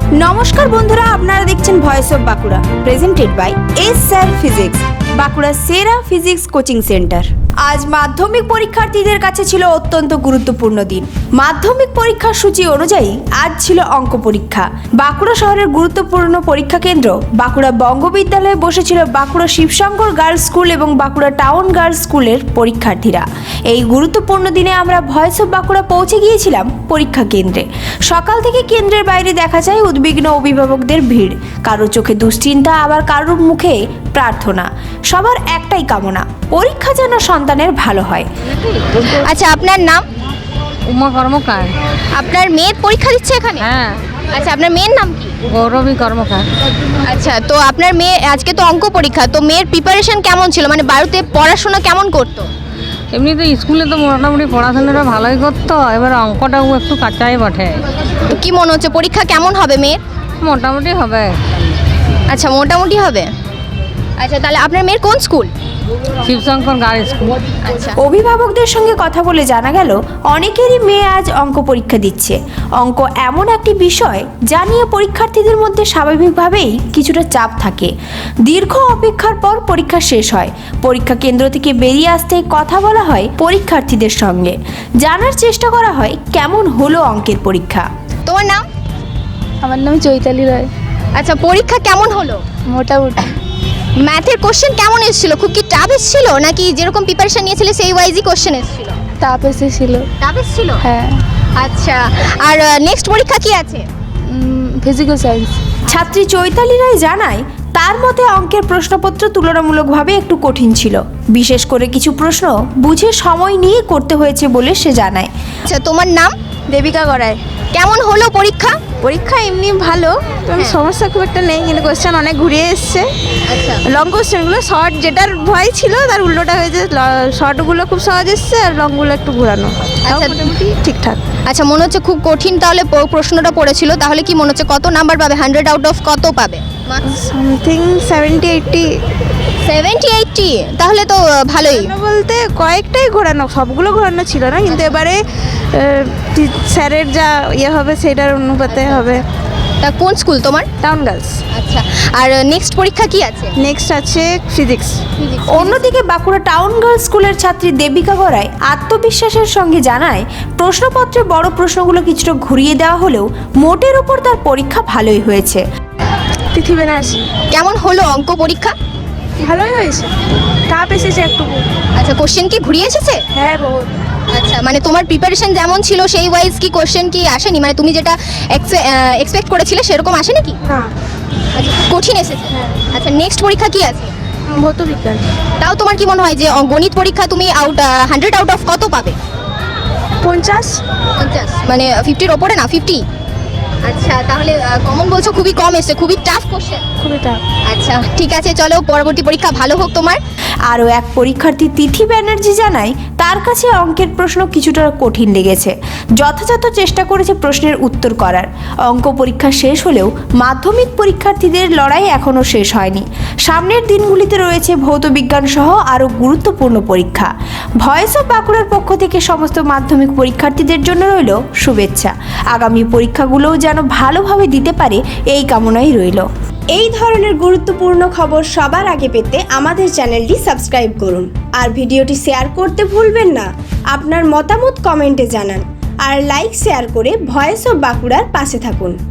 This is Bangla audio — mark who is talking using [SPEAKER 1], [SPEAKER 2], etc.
[SPEAKER 1] নমস্কার বন্ধুরা, আপনারা দেখছেন voice of Bankura, presented by S sir physics, Bankura সেরা ফিজিক্স কোচিং সেন্টার। আজ মাধ্যমিক পরীক্ষার্থীদের কাছে ছিল অত্যন্ত গুরুত্বপূর্ণ দিন। মাধ্যমিক পরীক্ষার সূচি অনুযায়ী আজ ছিল অঙ্ক পরীক্ষা। বাঁকুড়া শহরের গুরুত্বপূর্ণ পরীক্ষা কেন্দ্র বাঁকুড়া বঙ্গবিদ্যালয়ে বসেছিল বাঁকুড়া শিবশঙ্কর গার্লস স্কুল এবং বাঁকুড়া টাউন গার্লস স্কুলের পরীক্ষার্থীরা। এই গুরুত্বপূর্ণ দিনে আমরা ভয়েস অফ বাঁকুড়া পৌঁছে গিয়েছিলাম পরীক্ষা কেন্দ্রে। সকাল থেকে কেন্দ্রের বাইরে দেখা যায় উদ্বিগ্ন অভিভাবকদের ভিড়, কারোর চোখে দুশ্চিন্তা, আবার কারোর মুখে প্রার্থনা। সবার একটাই কামনা, পরীক্ষা যেন সন্তানের ভালো হয়।
[SPEAKER 2] আচ্ছা, আপনার নাম?
[SPEAKER 3] উমা কর্মকার।
[SPEAKER 2] আপনার মেয়ে পরীক্ষা দিচ্ছে এখানে?
[SPEAKER 3] হ্যাঁ।
[SPEAKER 2] আচ্ছা, আপনার মেয়ের নাম কি?
[SPEAKER 3] গৌরবী কর্মকার।
[SPEAKER 2] আচ্ছা, তো আপনার মেয়ে আজকে তো অঙ্ক পরীক্ষা, তো মেয়ের প্রিপারেশন কেমন ছিল? মানে বাড়িতে পড়াশোনা কেমন করতো?
[SPEAKER 3] এমনি তো স্কুলে তো মোটামুটি পড়াশোনাটা ভালোই করতো, এবার অঙ্কটাও একটু কাঁচাই বটে।
[SPEAKER 2] তো কি মনে হচ্ছে পরীক্ষা কেমন হবে মেয়ের?
[SPEAKER 3] মোটামুটি হবে।
[SPEAKER 2] আচ্ছা, মোটামুটি হবে। আচ্ছা, তাহলে আপনার মেয়ের কোন স্কুল?
[SPEAKER 3] Shibshankar girls school.
[SPEAKER 2] আচ্ছা,
[SPEAKER 1] অভিভাবকদের সঙ্গে কথা বলে জানা গেল অনেকেরই মেয়ে আজ অঙ্ক পরীক্ষা দিচ্ছে। অঙ্ক এমন একটি বিষয় যা নিয়ে পরীক্ষার্থীদের মধ্যে স্বাভাবিকভাবেই কিছুটা চাপ থাকে। দীর্ঘ অপেক্ষার পর পরীক্ষা শেষ হয়। পরীক্ষা কেন্দ্র থেকে বেরিয়ে আসতে কথা বলা হয় পরীক্ষার্থীদের সঙ্গে, জানার চেষ্টা করা হয় কেমন হলো অঙ্কের পরীক্ষা।
[SPEAKER 2] তোমার নাম?
[SPEAKER 4] আমার নাম চৈতালি রায়।
[SPEAKER 2] আচ্ছা, পরীক্ষা কেমন হলো?
[SPEAKER 4] মোটামুটি
[SPEAKER 2] ম্যাথের কোশ্চেন কেমন এসেছিল? খুব কি টাফ এসেছিল নাকি যেরকম প্রিপারেশন নিয়েছিলে সেই ওয়াইজই কোশ্চেন এসেছিল?
[SPEAKER 4] তাপ এসেছিল।
[SPEAKER 2] টাফ এসেছিল?
[SPEAKER 4] হ্যাঁ,
[SPEAKER 2] আচ্ছা, আর নেক্সট পরীক্ষা কি আছে?
[SPEAKER 4] Physical science.
[SPEAKER 1] ছাত্রী চৈতালি রায় জানায় তার মতে অঙ্কের প্রশ্নপত্র তুলনামূলকভাবে একটু কঠিন ছিল। বিশেষ করে কিছু প্রশ্ন বুঝে সময় নিয়ে করতে হয়েছে বলে সে জানায়।
[SPEAKER 2] আচ্ছা, তোমার নাম?
[SPEAKER 4] দেবিকা গড়ায়।
[SPEAKER 2] কেমন হলো পরীক্ষা?
[SPEAKER 4] পরীক্ষা এমনি ভালো, তেমন সমস্যা খুব একটা নেই, কিন্তু কোশ্চেন অনেক ঘুরিয়ে এসছে।
[SPEAKER 2] আচ্ছা,
[SPEAKER 4] লং কোশ্চেনগুলো, শর্ট যেটার ভয় ছিল তার উল্টোটা হয়েছে। শর্টগুলো খুব সহজ এসছে আর লংগুলো একটু ঘোরানো।
[SPEAKER 2] আচ্ছা,
[SPEAKER 4] মোটামুটি ঠিকঠাক।
[SPEAKER 2] আচ্ছা, মনে হচ্ছে খুব কঠিন তাহলে প্রশ্নটা পড়েছিল। তাহলে কি মনে হচ্ছে কত নাম্বার পাবে? 100 আউট অফ কত পাবে?
[SPEAKER 4] সামথিং 70-80।
[SPEAKER 2] 70-80? তাহলে তো ভালোই।
[SPEAKER 4] বলতে কয়েকটাই ঘোরানো, সবগুলো ঘোরানো ছিল না, কিন্তু এবারে স্যারের যা ইয়ে হবে সেটার অনুপাতে হবে।
[SPEAKER 2] তা কোন স্কুল তোমার?
[SPEAKER 4] Town girls.
[SPEAKER 2] আচ্ছা, আর নেক্সট পরীক্ষা কি আছে?
[SPEAKER 4] নেক্সট আছে ফিজিক্স।
[SPEAKER 1] অন্যদিকে বাঁকুড়া টাউন গার্লস স্কুলের ছাত্রী দেবিকা গড়ায় আত্মবিশ্বাসের সঙ্গে জানায় প্রশ্নপত্রে বড় প্রশ্নগুলো কিছুটা ঘুরিয়ে দেওয়া হলেও মোটের উপর তার পরীক্ষা ভালোই হয়েছে।
[SPEAKER 4] তিথি বেনারসি।
[SPEAKER 2] কেমন হলো অঙ্ক পরীক্ষা?
[SPEAKER 4] ভালোই হয়েছে, টাপ এসেছে একটু।
[SPEAKER 2] আচ্ছা, কোশ্চেন কি ঘুরিয়ে এসেছে?
[SPEAKER 4] হ্যাঁ, বহুত।
[SPEAKER 2] আচ্ছা, মানে তোমার প্রিপারেশন যেমন ছিল সেই ওয়াইজ কি কোশ্চেন কি আসেনি? মানে তুমি যেটা এক্সপেক্ট করেছিলে সেরকম আসেনি কি?
[SPEAKER 4] না,
[SPEAKER 2] আচ্ছা, কঠিন এসেছে। আচ্ছা, নেক্সট পরীক্ষা কি আছে?
[SPEAKER 4] ভৌত বিজ্ঞান।
[SPEAKER 2] তাও তোমার কি মনে হয় যে গণিত পরীক্ষা তুমি 100 আউট অফ কত পাবে?
[SPEAKER 4] 50।
[SPEAKER 2] 50? মানে 50-র ওপরে না? 50? আচ্ছা, তাহলে কমন বলছো খুবই কম এসেছে, খুবই টাফ কোশ্চেন।
[SPEAKER 4] খুবই টাপ।
[SPEAKER 2] আচ্ছা, ঠিক আছে, চলো পরবর্তী পরীক্ষা ভালো হোক তোমার।
[SPEAKER 1] আরও এক পরীক্ষার্থী তিথি ব্যানার্জি জানায় তার কাছে অঙ্কের প্রশ্ন কিছুটা কঠিন লেগেছে। যথাযথ চেষ্টা করেছে প্রশ্নের উত্তর করার। অঙ্ক পরীক্ষা শেষ হলেও মাধ্যমিক পরীক্ষার্থীদের লড়াই এখনও শেষ হয়নি। সামনের দিনগুলিতে রয়েছে ভৌতবিজ্ঞান সহ আরও গুরুত্বপূর্ণ পরীক্ষা। ভয়েস অফ বাঁকুড়ার পক্ষ থেকে সমস্ত মাধ্যমিক পরীক্ষার্থীদের জন্য রইল শুভেচ্ছা। আগামী পরীক্ষাগুলোও যেন ভালোভাবে দিতে পারে এই কামনাই রইল। এই ধরনের গুরুত্বপূর্ণ খবর সবার আগে পেতে আমাদের চ্যানেলটি সাবস্ক্রাইব করুন আর ভিডিওটি শেয়ার করতে ভুলবেন না। আপনার মতামত কমেন্টে জানান আর লাইক শেয়ার করে ভয়েস অফ বাঁকুড়ার পাশে থাকুন।